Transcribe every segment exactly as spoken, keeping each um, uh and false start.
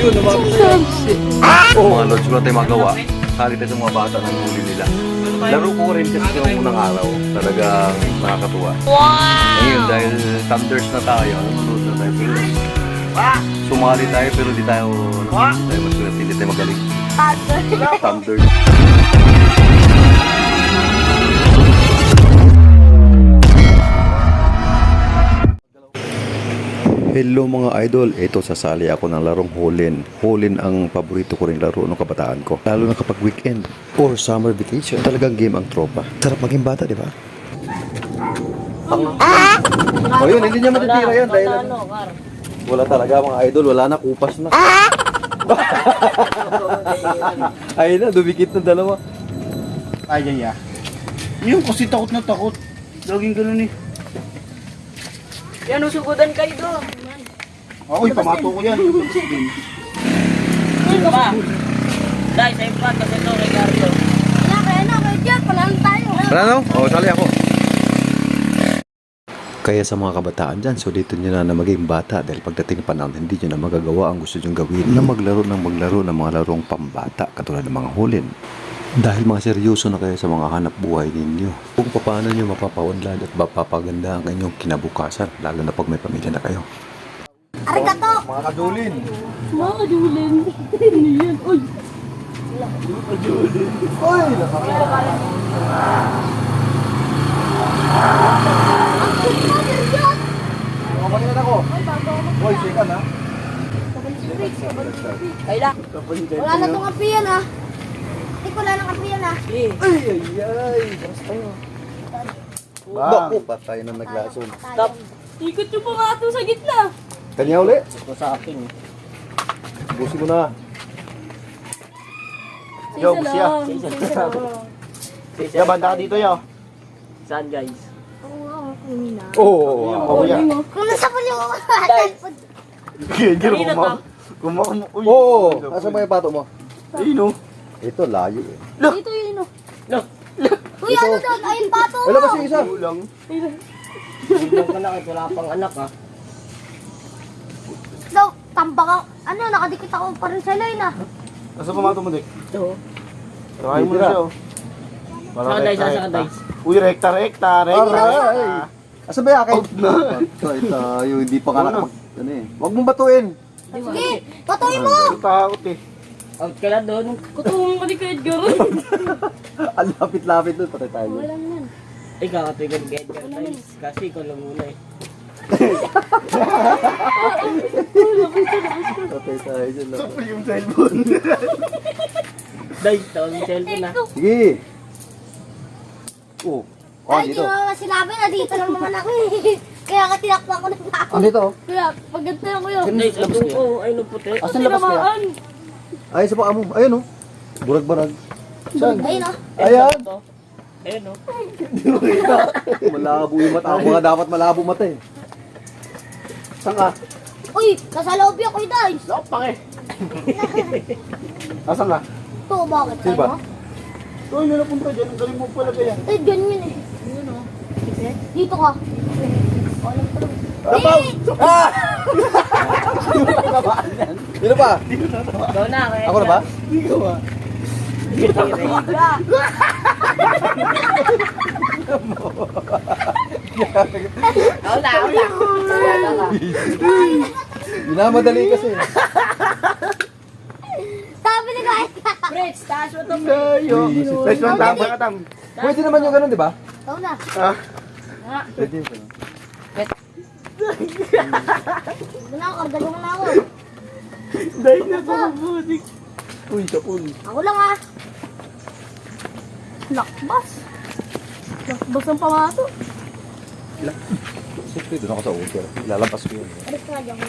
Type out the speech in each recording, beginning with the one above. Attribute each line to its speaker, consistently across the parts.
Speaker 1: Yun, naman. Oh, mga lods, wala tayong magawa. Halit ito mga bata ng huli nila. Laro ko rin kasi yung unang araw. Talagang nakakatuwa. Wow! Ngayon, dahil thunders na tayo, nanonood na tayo. Pero, sumali tayo pero di tayo, hindi tayo maswerte, hindi tayo magaling. Thunders. Hello mga idol, ito sasali ako ng larong Hulin. Hulin ang paborito ko rin laro ng kabataan ko. Lalo na kapag weekend or summer vacation. Talagang game ang tropa. Sarap maging bata, di ba? O yun, hindi niya matitira yan dahil wala talaga mga idol, wala na, kupas na. Ayun na, dumikit na dalawa.
Speaker 2: Ay, ay, ay. Yung kasi takot na takot. Laging ganun eh.
Speaker 3: Yan, usugudan kayo doon.
Speaker 2: Ako'y pamato ko yan.
Speaker 3: Sino ba? Dahil sa ipat kasi ito, Ricardo.
Speaker 4: Wala kaya na, kaya dyan, panalo tayo.
Speaker 1: Wala no? O, sali ako. Kaya sa mga kabataan dyan, sulitin nyo na na maging bata dahil pagdating pa naman, hindi nyo na magagawa ang gusto nyo gawin na maglaro ng maglaro ng mga larong pambata katulad ng mga hulin. Dahil mga seryoso na kayo sa mga hanap buhay ninyo. Kung paano nyo mapapaunlad at mapapaganda ang inyong kinabukasan, lalo na pag may pamilya na kayo.
Speaker 4: Arigato!
Speaker 2: Mga kadulin.
Speaker 3: Mga kadulin. Hindi yan. Uy!
Speaker 2: Uy! Nakakita. Kapalingan ako. Uy, sikan ha.
Speaker 3: Kaya.
Speaker 4: Wala na itong apiyan ha. Hindi ko wala ng apiyan ha.
Speaker 2: Ay, ay, ay. Baras tayo.
Speaker 1: Bako, patay na naglason.
Speaker 3: Stop. Ikot yung pa nga ito sa gitna.
Speaker 1: Kanya uli?
Speaker 2: Ito sa akin eh.
Speaker 1: Busin mo na.
Speaker 2: Yo, siya. Siya, banda ka dito yo.
Speaker 3: Saan guys?
Speaker 4: Oo, kumina.
Speaker 1: Oo.
Speaker 2: Oo, yan.
Speaker 4: Kung nasa puli mo,
Speaker 2: Gigil
Speaker 3: Kanina
Speaker 2: ko
Speaker 3: to.
Speaker 2: Kumakum. Uy.
Speaker 1: Oo. Asa mo yung pato mo?
Speaker 2: Ayun oh.
Speaker 1: Ito, layo eh.
Speaker 4: dito yun o.
Speaker 3: No.
Speaker 4: Uy, ano doon? Ayun, pato mo.
Speaker 1: Wala ba si isa?
Speaker 2: Ulang.
Speaker 3: Hindi ka na wala pang anak ha.
Speaker 4: So, tambak ako. Ano, nakadikit ako pa rin sa line ah.
Speaker 2: Nasa pamato mo, Dik?
Speaker 3: Ito.
Speaker 2: Try mo na siya oh. Para
Speaker 3: Saka dice,
Speaker 2: rekta,
Speaker 3: saka
Speaker 2: rekta.
Speaker 3: dice.
Speaker 2: Uy, rekta, rekta, rekta.
Speaker 1: Aray! Asa ba yakin? Out na. Patay tayo, hindi pa ka
Speaker 2: Ano?
Speaker 1: nakapag... Ano eh. Huwag mong batuin.
Speaker 4: Sige, patuloy mo.
Speaker 2: Ang takot eh.
Speaker 3: Out ka na doon. Kutungan ka ni Kuya Edgar.
Speaker 1: Ang lapit-lapit doon, patay tayo.
Speaker 4: Wala naman.
Speaker 3: Ikaw ka tuwing ni Edgar guys. Kasi ikaw lang muna eh.
Speaker 1: Patay tayo dyan. lang.
Speaker 2: Sapul yung cellphone.
Speaker 3: Dahil tawag yung cellphone na.
Speaker 1: Sige. Oh. Oh,
Speaker 4: Ay, di
Speaker 1: dito.
Speaker 4: mo naman sinabi na dito lang naman ako eh. Kaya nga tinakpan ko ng tao.
Speaker 1: Oh, dito.
Speaker 4: Kaya, pag ganito lang ko yun.
Speaker 3: Dahil sa buong ko, ay no puti.
Speaker 1: Asan labas kaya? Ay, sa paa mo. Ayun oh. Burag-barag. Saan?
Speaker 4: Ayun o.
Speaker 1: Ayan.
Speaker 3: Ayun no.
Speaker 1: Malabo yung mata. Ako nga dapat malabo mata eh.
Speaker 2: Saan ka?
Speaker 4: Uy, nasa loob yung kuy guys.
Speaker 2: Lopang eh. Asan ka?
Speaker 4: Ito, bakit?
Speaker 1: Sino ba?
Speaker 2: Uy, may napunta dyan. Ang galing mo pala kaya.
Speaker 4: Eh, ganyan eh. Ayun o. Dito ka. Alam ko lang.
Speaker 2: Tapaw! Ah!
Speaker 1: Sino pa?
Speaker 3: Ikaw na. Kuya
Speaker 1: Ako na ba?
Speaker 2: Hindi ka ba?
Speaker 3: Edgar. Ako na, ako na.
Speaker 1: Minamadali kasi.
Speaker 4: Sabi ni guys.
Speaker 3: Fritz, taas mo ito.
Speaker 2: Layo. Let's one tam, baka tam.
Speaker 1: Pwede naman yung ganun, di ba?
Speaker 4: Ikaw na.
Speaker 2: Ah,
Speaker 1: Pwede.
Speaker 4: Ito na ako, kardalo mo na ako.
Speaker 2: dahil na pumubutik. Uy, sapul.
Speaker 4: Ako lang ah. Lakbas. Lakbas ang pamato.
Speaker 1: Siyempre, doon ako sa uter. Lalabas ko yun.
Speaker 4: Alis ka nga dyan.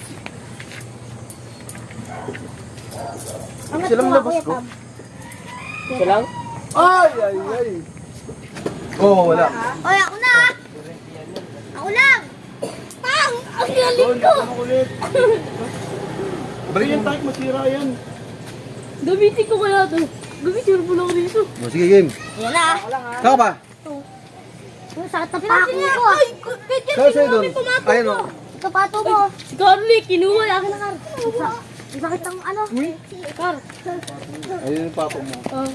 Speaker 4: Angat
Speaker 2: Silang
Speaker 4: ko nga,
Speaker 2: labas
Speaker 4: Kuya
Speaker 2: ko.
Speaker 4: Tam.
Speaker 3: Ito lang?
Speaker 1: Ay, ay, ay. Oo, oh, wala.
Speaker 4: Oy, ako na ah. Ako lang. Tang! Ang galing
Speaker 2: Doon,
Speaker 4: ko.
Speaker 2: ako ulit. Balik yan, tayo, masira yan.
Speaker 3: Gamitin ko kaya ito. Gamitin mo lang dito.
Speaker 1: Oh, sige, game.
Speaker 4: Yan na ah.
Speaker 1: Saka pa?
Speaker 4: Ang sakit ng pako ko ah.
Speaker 1: Saka sa'yo doon. Ayun o.
Speaker 4: Ito pato mo.
Speaker 3: Si Carly, kinuha.
Speaker 4: Akin na kar. Bakit ang ano? Kar.
Speaker 1: Ayun yung papo mo.
Speaker 3: Oh,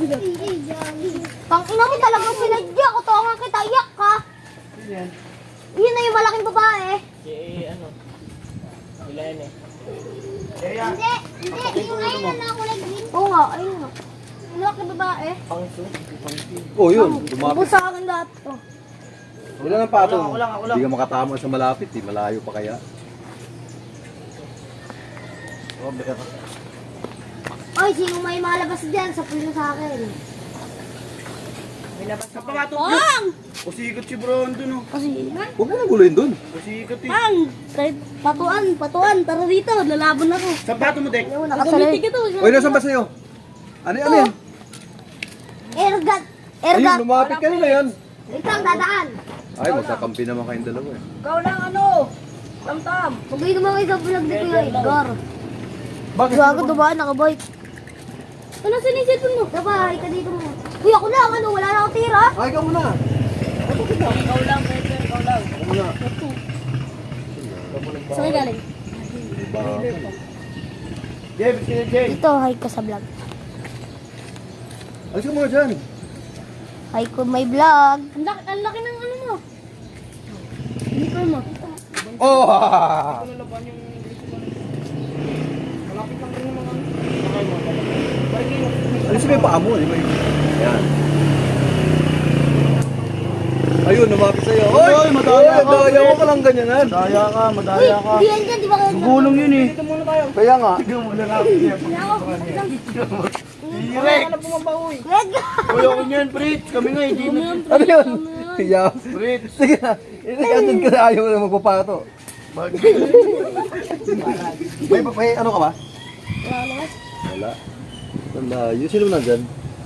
Speaker 4: Pang ina mo talagang sinadya ko. Tawangan kita, iyak ka. Yun na yung malaking babae.
Speaker 5: Eh, ano? Wala yan eh.
Speaker 4: Hindi, hindi. Yung ayun na nakulay green. Oo nga, ayun nga. Yung malaking babae.
Speaker 5: Pangso.
Speaker 1: Oh, yun. Lumapit.
Speaker 4: Ubus sa akin lahat to.
Speaker 1: Wala ng pato.
Speaker 2: Ako lang, ako lang.
Speaker 1: Hindi ka makatama sa malapit eh. Malayo pa kaya.
Speaker 2: Oh, beka ka.
Speaker 4: Oy, sino may malabas dyan? Sapuin mo sa akin.
Speaker 2: Sa pamatok.
Speaker 3: Pang!
Speaker 2: Kusikat si bro, andun oh.
Speaker 3: Kasi,
Speaker 1: Huwag mo nang guluhin dun.
Speaker 2: Kusikat eh.
Speaker 3: Pang! Kahit patuan, patuan, tara rito, lalaban ako.
Speaker 2: Sapato mo, Dek.
Speaker 4: Yung
Speaker 3: Gamitin
Speaker 4: nakasalay.
Speaker 3: ka to.
Speaker 1: Uy, nasan ba sa'yo? Ano, ano yan?
Speaker 4: Ergat.
Speaker 1: Ayun,
Speaker 4: Ergat.
Speaker 1: lumapit ka na yan.
Speaker 4: Wait lang, dadaan.
Speaker 1: Ay, magkakampi naman kayong dalawa eh.
Speaker 5: Ikaw lang ano? Tam-tam.
Speaker 4: Magay naman kayo sa vlog ni Kuya Edgar.
Speaker 1: Bakit?
Speaker 4: Gago, dumaan, nakabike.
Speaker 3: Ano sa yung cellphone mo?
Speaker 4: Dapat, ka dito mo. Kuya, ako lang, ano, wala na akong tira.
Speaker 1: Ay, ikaw muna.
Speaker 5: Ikaw lang, pwede. Ikaw lang.
Speaker 1: Ikaw muna.
Speaker 3: Saan ka galing?
Speaker 2: Jay, biskit Jay.
Speaker 4: Dito, hi ka sa vlog.
Speaker 1: Alis ka muna dyan.
Speaker 4: Hi ko may vlog.
Speaker 3: Ang laki, ang laki ng ano mo. Uniform mo.
Speaker 1: Oh! Alis mo yung paa mo, di ba? Yan. Ayun, lumapit sa'yo.
Speaker 2: Oy, oy, madaya ka.
Speaker 1: Madaya mo ka lang ganyanan.
Speaker 2: Madaya ka,
Speaker 4: Uy,
Speaker 2: madaya ka.
Speaker 4: di yan dyan, di ba kayo?
Speaker 2: Gulong yun eh.
Speaker 1: Kaya nga.
Speaker 2: Tignan mo na lang. Direk.
Speaker 4: Kuya Edgar.
Speaker 2: Uy, ako niyan, Fritz. Kami nga, hindi na.
Speaker 1: Ano yun? Kaya.
Speaker 2: Fritz.
Speaker 1: Sige na. Inikandun ka na ayaw na magpapato. May, may ano ka ba? Wala. Wala. Yung sino nandyan?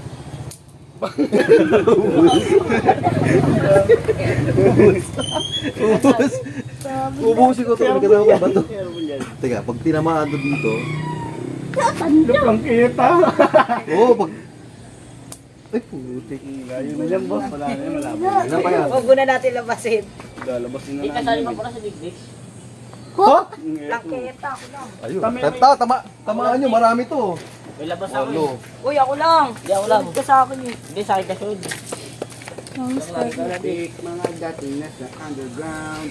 Speaker 1: Ubus. Ubusin ko ito. May kasama ka ba ito? Teka, pag tinamaan to dito.
Speaker 2: Lupang kita.
Speaker 1: Oo, pag... Ay, putik.
Speaker 2: Ayun na yan, boss. Wala na yan, malabo.
Speaker 1: Ano pa yan?
Speaker 5: Huwag muna natin labasin.
Speaker 2: Lalabas na
Speaker 5: Di
Speaker 2: lang.
Speaker 5: kasali mo pala sa digdig.
Speaker 1: Ha?
Speaker 5: Langketa ako lang.
Speaker 1: Ayun. Tama, tama, tamaan nyo. Marami to.
Speaker 5: May labas ako
Speaker 1: Walo.
Speaker 5: eh. Uy, ako lang. Hindi ako lang. Ka sa akin eh. Hindi, sa akin ka sunod.
Speaker 2: Balik mga dating nasa underground.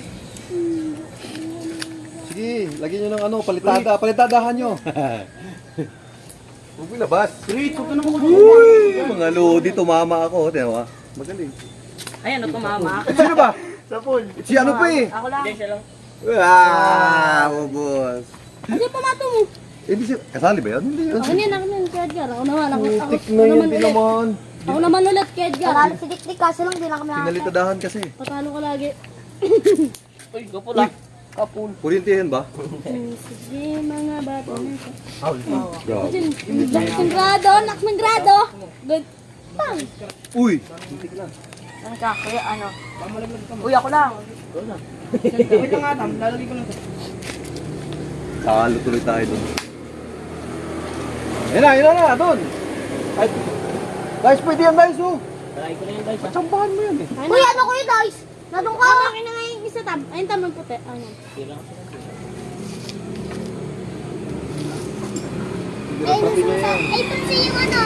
Speaker 1: Sige, lagyan nyo ng ano, palitada. Palitadahan nyo. Huwag mo labas.
Speaker 2: Fritz, huwag ka na mo.
Speaker 1: Uy! Mga lodi, tumama ako. Tiyan mo, ah. Magaling.
Speaker 5: Ayan, o tumama.
Speaker 1: Eh, sino ba?
Speaker 2: Sa pool.
Speaker 1: Si ano pa eh?
Speaker 5: Ako lang. Hindi, siya lang.
Speaker 1: Ah, ubos.
Speaker 3: Ano yung pamato mo?
Speaker 1: Eh, di siya, kasali ba yan? Hindi yun.
Speaker 3: Ako yan, ako yan, Kuya Edgar. Ako naman, ako, ako,
Speaker 1: Putik
Speaker 3: ako
Speaker 1: na yun,
Speaker 3: naman
Speaker 1: di
Speaker 3: ulit.
Speaker 1: naman.
Speaker 3: Ako naman ulit, Kuya Edgar.
Speaker 4: Parang si Dikdik, kaso lang, di lang kami nakakita.
Speaker 1: Pinalitadahan kasi.
Speaker 3: Patalo ka lagi.
Speaker 5: Uy, gupul ah. Kapul.
Speaker 1: Kurintihin ba?
Speaker 3: Hmm, Sige, mga bata na ito.
Speaker 1: Grabe.
Speaker 3: Kasi, nak ng grado, nak ng grado. Good. Pang.
Speaker 1: Uy!
Speaker 5: Ano ka? Kuya, ano? Uy, ako lang.
Speaker 2: Wait lang nga, Tam. Lalagay ko lang ito.
Speaker 1: Talo tuloy tayo doon. Ayun na, ayun na na, doon. Ay, guys, pwede yan guys, oh.
Speaker 5: Try ko na yun guys. ah.
Speaker 1: Tsambahan mo yan eh.
Speaker 4: Uy, ano ko yun, guys? Nadong ka?
Speaker 3: Akin na nga yung isa tam. Ayun tam ng puti. Ano?
Speaker 5: Hindi lang ako.
Speaker 4: Ay, nasusa. Ay, tutsi yung ano.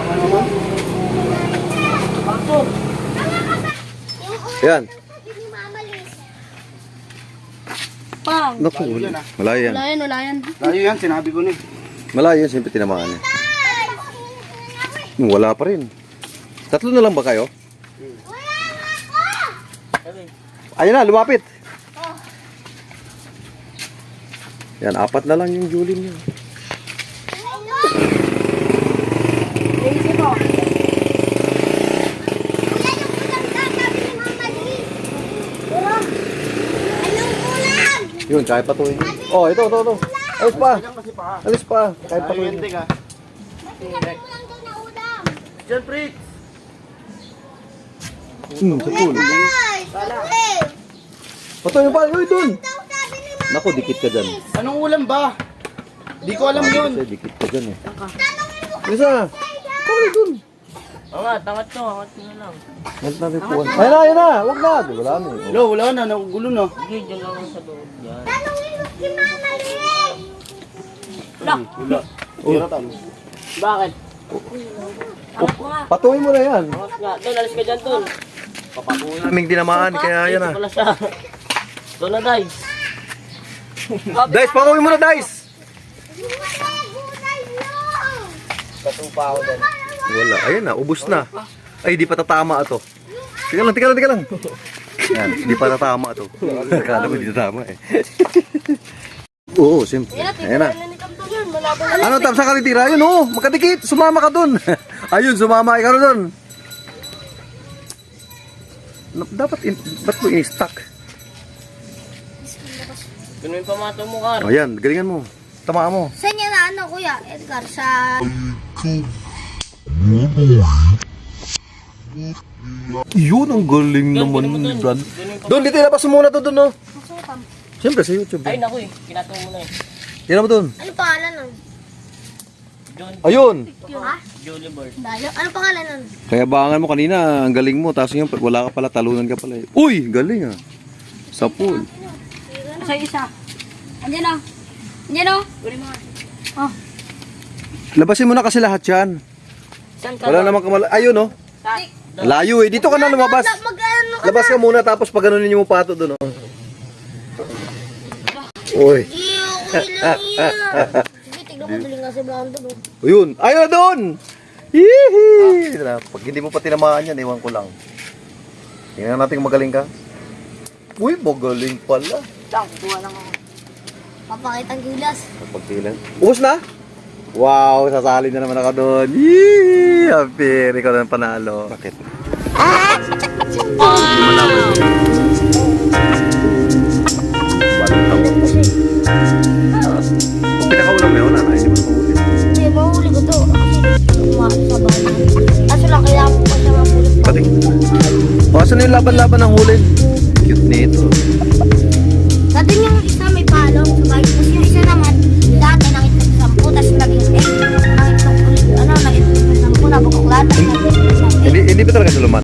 Speaker 5: Pasok!
Speaker 4: Yung una,
Speaker 1: Yan.
Speaker 4: sabi ni Mama Liz.
Speaker 3: Pang.
Speaker 1: Naku, malayo yan.
Speaker 3: Wala yan, wala yan.
Speaker 2: Layo yan, sinabi ko na eh.
Speaker 1: Malayo yan, siyempre tinamaan eh. Wala pa rin. Tatlo na lang ba kayo? Ayun na, lumapit. Yan, apat na lang yung Julin niya.
Speaker 5: Easy mo.
Speaker 4: Kuya, yung ulam ka, sabi ni Mama Liz. Ulam. Anong ulam?
Speaker 1: Yun, kaya patuloy. Oh, ito, ito, ito. Alis pa. Alis pa. Kaya
Speaker 2: Layo
Speaker 1: patuloy.
Speaker 2: yan, Dek ah.
Speaker 4: Sabi mo lang daw na ulam.
Speaker 2: Diyan, Fritz.
Speaker 1: Hmm, sa pool.
Speaker 4: Guys, sabi.
Speaker 1: Patuloy pa. Uy, dun.
Speaker 4: Daw sabi ni Mama
Speaker 1: Naku, dikit ka dyan.
Speaker 2: Anong ulam ba? Di ko alam yun.
Speaker 1: Kasi dikit ka dyan eh.
Speaker 4: Tanongin mo
Speaker 1: Isa. Patuloy dun.
Speaker 5: Oo nga, tangat ko. Angat ko na lang.
Speaker 1: Huwag natin puwan. Ayun na, ayun na. Huwag na. Di, wala na eh.
Speaker 2: Lo, wala na, nagugulo na.
Speaker 5: Sige, dyan lang ako sa loob. Yan.
Speaker 4: Tanongin mo si Mama Liz.
Speaker 5: Wala
Speaker 2: Wala. Tira talo.
Speaker 5: Bakit?
Speaker 1: Patuloy mo na yan.
Speaker 5: Bakit nga? Tol, alis ka dyan, Tol.
Speaker 1: Kaming tinamaan, kaya yan
Speaker 5: Ito
Speaker 1: na.
Speaker 5: pala siya. Tol na, Day.
Speaker 1: Dice, patuloy mo na, Dice!
Speaker 5: Katupa ako dyan.
Speaker 1: Wala, ayun na, ubos na. Ay, di pa tatama ito. Tika lang, tika lang, tika lang. Yan, di pa tatama ito. Akala mo, di tatama eh. Oo, siyempre. Ayan na. Ano, tam sa kalitira? Ayun, oo, makadikit. Sumama ka dun. Ayun, sumama ka dun. Dapat, in, ba't mo in-stack?
Speaker 5: Ganun yung pamato mo, Kar.
Speaker 1: Ayan, galingan mo. Tamaan mo.
Speaker 4: Saan niya na ano, kuya? Edgar, sa...
Speaker 1: Yun, ang galing naman, Brad. Doon, dito, ilabas mo muna to doon, no? Siyempre, sa YouTube.
Speaker 5: Ay, naku eh. Kinato mo na eh.
Speaker 1: Tingnan mo doon.
Speaker 4: Ano pangalan nun?
Speaker 5: John
Speaker 1: Ayun.
Speaker 4: Ha?
Speaker 5: Jolie Bird.
Speaker 4: Dayo? Ano pangalan nun?
Speaker 1: Kaya bangan mo kanina, ang galing mo. Tapos ngayon, wala ka pala, talunan ka pala. eh. Uy, galing ah. Sa pool.
Speaker 3: Sa isa. Andiyan o. Andiyan o. Oh.
Speaker 1: Labasin mo na kasi lahat yan.
Speaker 5: Saan ka?
Speaker 1: Wala namang kamala. Ayun, no?
Speaker 5: Saan?
Speaker 1: Layo eh. Dito ka na lumabas.
Speaker 4: Mag-ano ka
Speaker 1: Labas ka muna, tapos pag ganunin niyo mo pato doon, oh. Uy.
Speaker 4: Iyo, okay lang yan. Sige, tignan mo, galing nga si Brando. no?
Speaker 1: Ayun. Ayun na doon. Hihi. Pag hindi mo pa tinamaan yan, iwan ko lang. Tingnan natin kung magaling ka. Uy, magaling pala.
Speaker 5: Saan? Kuha lang ako.
Speaker 4: Papakitang gilas.
Speaker 1: Pagtilan. Ubus na? Wow, sasali na naman ako doon. Yee! Happy. Ikaw na panalo. Bakit? Ah! Wow! Kung pinakaulam mo yun, nanay, hindi mo na mahuli.
Speaker 4: Hindi, mahuli ko to. Kasi umakas sa bahay. Kaso lang, kailangan ko pa siya mahuli.
Speaker 1: Pati. O, asan na yung laban-laban ng huli? Cute nito.